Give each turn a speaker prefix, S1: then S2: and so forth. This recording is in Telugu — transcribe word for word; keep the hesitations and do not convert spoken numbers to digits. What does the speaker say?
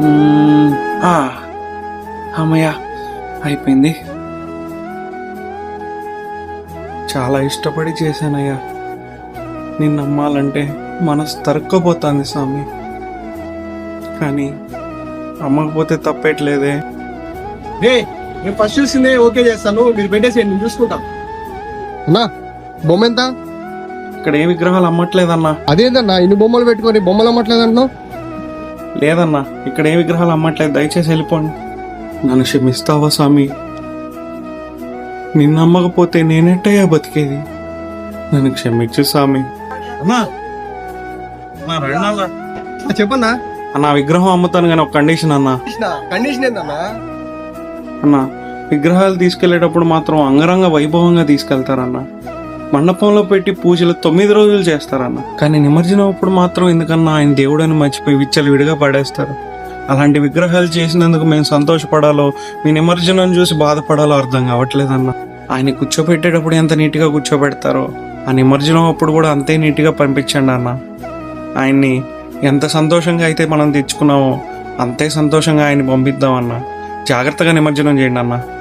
S1: మ్మ్. ఆ, అమ్మయ్య అయిపోయింది. చాలా ఇష్టపడి చేశానయ్యా. నిన్ను నమ్మాలంటే మనసు తరుక్కపోతుంది స్వామి. కానీ అమ్మకపోతే తప్పేట్లేదే.
S2: రే నేను ఫస్ట్ చూసిందే ఓకే చేస్తాను, మీరు పెట్టేసేయండి, నేను చూసుకుంటాం.
S3: అన్నా బొమ్మ ఎంత?
S1: ఇక్కడ ఏ విగ్రహాలు అమ్మట్లేదన్నా.
S3: అదేందన్నా ఇన్ని బొమ్మలు పెట్టుకొని బొమ్మలు అమ్మట్లేదంటున్నావు?
S1: లేదన్నా, ఇక్కడ ఏ విగ్రహాలు అమ్మట్లేదు. దయచేసి వెళ్ళిపోండి. నన్ను క్షమిస్తావా స్వామి? నిన్ను నమ్మకపోతే నేనెట్టయ్యా బతికేది? నన్ను క్షమించు స్వామి. అన్నా అన్నా, రండి అన్నా.
S3: ఆ, చెప్పన్నా.
S1: అన్నా విగ్రహం అమ్ముతాను కానీ ఒక కండిషన్ అన్నా.
S3: కండిషన్ ఏందన్నా?
S1: అన్న విగ్రహాలు తీసుకెళ్లేటప్పుడు మాత్రం అంగరంగ వైభవంగా తీసుకెళ్తారన్న. మండపంలో పెట్టి పూజలు తొమ్మిది రోజులు చేస్తారన్న. కానీ నిమజ్జనం అప్పుడు మాత్రం ఎందుకన్నా ఆయన దేవుడని మర్చిపోయి విచ్చలు విడిగా పడేస్తారు. అలాంటి విగ్రహాలు చేసినందుకు మేము సంతోషపడాలో మీ నిమజ్జనం చూసి బాధపడాలో అర్థం కావట్లేదన్న. ఆయన కూర్చోబెట్టేటప్పుడు ఎంత నీట్గా కూర్చోబెడతారో ఆ నిమజ్జనం అప్పుడు కూడా అంతే నీట్గా పంపించండి అన్న. ఆయన్ని ఎంత సంతోషంగా అయితే మనం తెచ్చుకున్నామో అంతే సంతోషంగా ఆయన్ని పంపిద్దామన్నా. జాగ్రత్తగా నిమజ్జనం చేయండి అన్న.